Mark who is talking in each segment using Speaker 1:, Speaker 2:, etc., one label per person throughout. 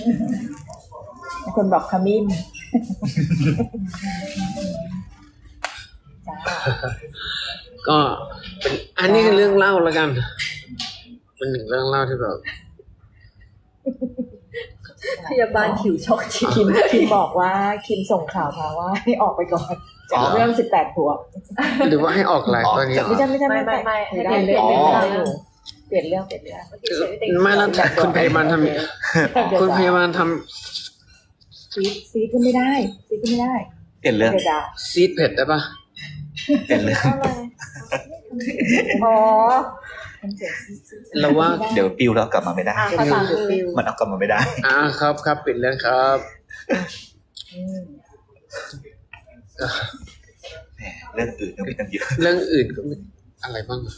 Speaker 1: คนบอกขมิ้นจ้า
Speaker 2: ก็เป็นอันนี้คือเรื่องเล่าแล้วกันเป็นหนึ่งเรื่องเล่าที่แบบ
Speaker 3: พยาบาลผิวช็อกชี
Speaker 1: คิมบอกว่าคิมส่งข่าวมาว่าให้ออกไปก่อนจากเรื่อง18 บวก
Speaker 2: หรือว่าให้ออกไลฟ์ตอนนี้เหรอ
Speaker 1: ไม่ใช่
Speaker 3: ไม่
Speaker 1: ได้
Speaker 3: ให้
Speaker 1: เปลี่ยน
Speaker 3: เปลี่ยน
Speaker 1: เรื่อง
Speaker 3: เรื่อง
Speaker 1: เปลี่ยนเรื่อง
Speaker 2: ไม่แล้วคุณพยาบาลทำคุณพยาบาลท
Speaker 1: ซีดก็ไม่ได้
Speaker 4: เปลี่ยนเรื่อง
Speaker 1: เดี๋ยวด่า
Speaker 2: ำซีดเผ็ดได้ปะ
Speaker 4: เปลี่ยนเรื่อง
Speaker 1: อ๋อ
Speaker 2: เราว่า
Speaker 4: เดี๋ยวปิวแล้วกลับมาไม่ได้
Speaker 3: ภาษาคือ
Speaker 4: มันเอากลับมาไม่ได้
Speaker 2: ครับปิดเรื่องครับ
Speaker 4: แหมเรื่องอื่นก็มีตั้งเยอะ
Speaker 2: เรื่องอื่นก็มีอะไรบ้างครับ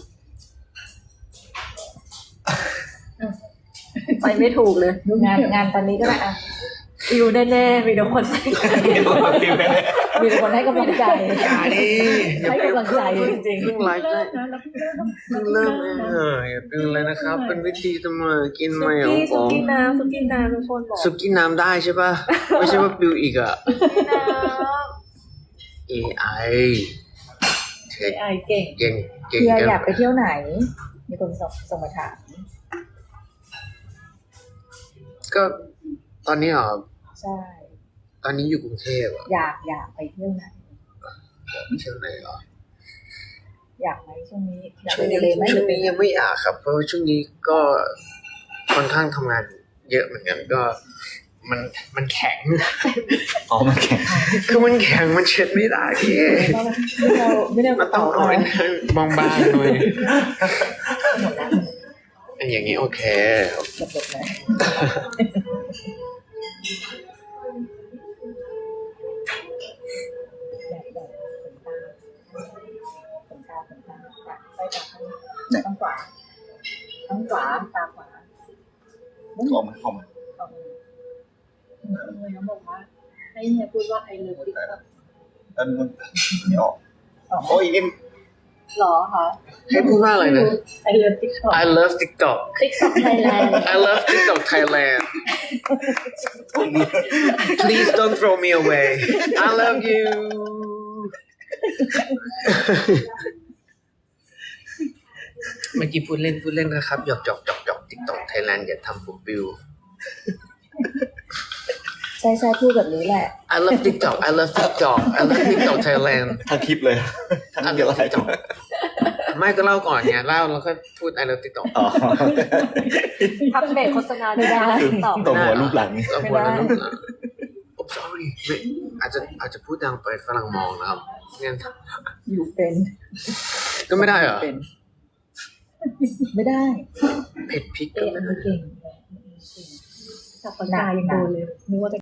Speaker 3: ไปไม่ถูกเลย
Speaker 1: งานตอนนี้ก็ได้อะ
Speaker 3: ปิวแน่ๆมีแต่คนใส่
Speaker 1: มีแต่คนให้กำลังใจ
Speaker 2: อย่าดิ
Speaker 1: ให้กำลังใจจริง
Speaker 2: เพิ่งไลฟ์ได้เพิ่งเริ่มเองอย่าเป็นอะไรนะครับ เป็นวิธีทำมากินใหม่ของผ
Speaker 3: สุ
Speaker 2: ม
Speaker 3: กี้น้ำทุกคนบอก
Speaker 2: สุกี้น้ำได้ใช่ปะไม่ใช่ว่าปิวอีกอะ
Speaker 3: น้
Speaker 2: AI เทค
Speaker 3: ำไอเก่ง
Speaker 2: เก่ง
Speaker 1: ๆ
Speaker 2: เก่ง
Speaker 1: เพื่อ
Speaker 2: กัน
Speaker 1: อยากไปเที่ยวไหน มีคนส่งมาถาม
Speaker 2: ก็ตอนนี้เหรอ
Speaker 1: ใช่
Speaker 2: ตอนนี้อยู่กรุงเทพอะ
Speaker 1: อยากไปเที่ยวไหน
Speaker 2: เที่ยวไหนเหรอ
Speaker 1: อยากไหมช่วงนี้อยาก
Speaker 2: ช่
Speaker 1: ไป
Speaker 2: วง
Speaker 1: ทะเล
Speaker 2: นี้
Speaker 1: ไหม
Speaker 2: ช่วงนี้ยังไม่อยากครับ เพราะว่าช่วงนี้ก็ค่อนข้างทำงานเยอะเหมือนกันก็มันแข็ง
Speaker 4: อ๋อมันแข็ง
Speaker 2: คือมันแข็งมันเช็ดไม่ได้พี่
Speaker 1: ไม่ได้
Speaker 2: มันต้องเอาไว้บางๆหน่อยอันอย่างนี้โอเค
Speaker 1: หลบๆเลยต้องขวาตาขวา
Speaker 4: ออกมา
Speaker 3: เลยเขาบอกว่าให้เฮียพูดว่าไอเลิฟติ๊กต็อก
Speaker 4: แล้วมันไม่ออกโอ้ยนี่
Speaker 3: หรอคะ
Speaker 2: ให้พูดว่าอะไรนะ
Speaker 3: ไอเลิฟติ๊กต็อก
Speaker 2: I love TikTok
Speaker 3: ติ๊กต็อกไทยแลนด์
Speaker 2: I love TikTok Thailand Please don't throw me away I love you เมื่อกี้พูดเล่นนะครับหยอกTikTok Thailand อย่าทำผมปิว
Speaker 1: ใช่พูดแบบนี้แหละ
Speaker 2: I love TikTok I love TikTok Thailand
Speaker 4: ทั้งคลิปเลยทั้งเดียวอะไรจบ
Speaker 2: ไม่ก็เล่าก่อนไงเล่าแล้วก็พูด I love TikTok
Speaker 4: อ๋อ
Speaker 3: ทำเบรกโฆษณาได้ติ๊กต็อก
Speaker 4: ตัวหัวรูปหลัง
Speaker 2: เราควรจะรู้นะ I'm sorry ไม่อาจจะพูดดังไปฝรั่งมองนะครับงั้น
Speaker 1: อยู่เป็น
Speaker 2: ก็ไม่ได้เหรอ
Speaker 1: เป็นไม่ได้
Speaker 2: เผ็ดพริกก็
Speaker 1: เอ๊ะ
Speaker 2: ไม่
Speaker 1: มัน
Speaker 2: ได้
Speaker 1: เก่ง
Speaker 3: จับปากกายังโดนเลยนึกว่าจะ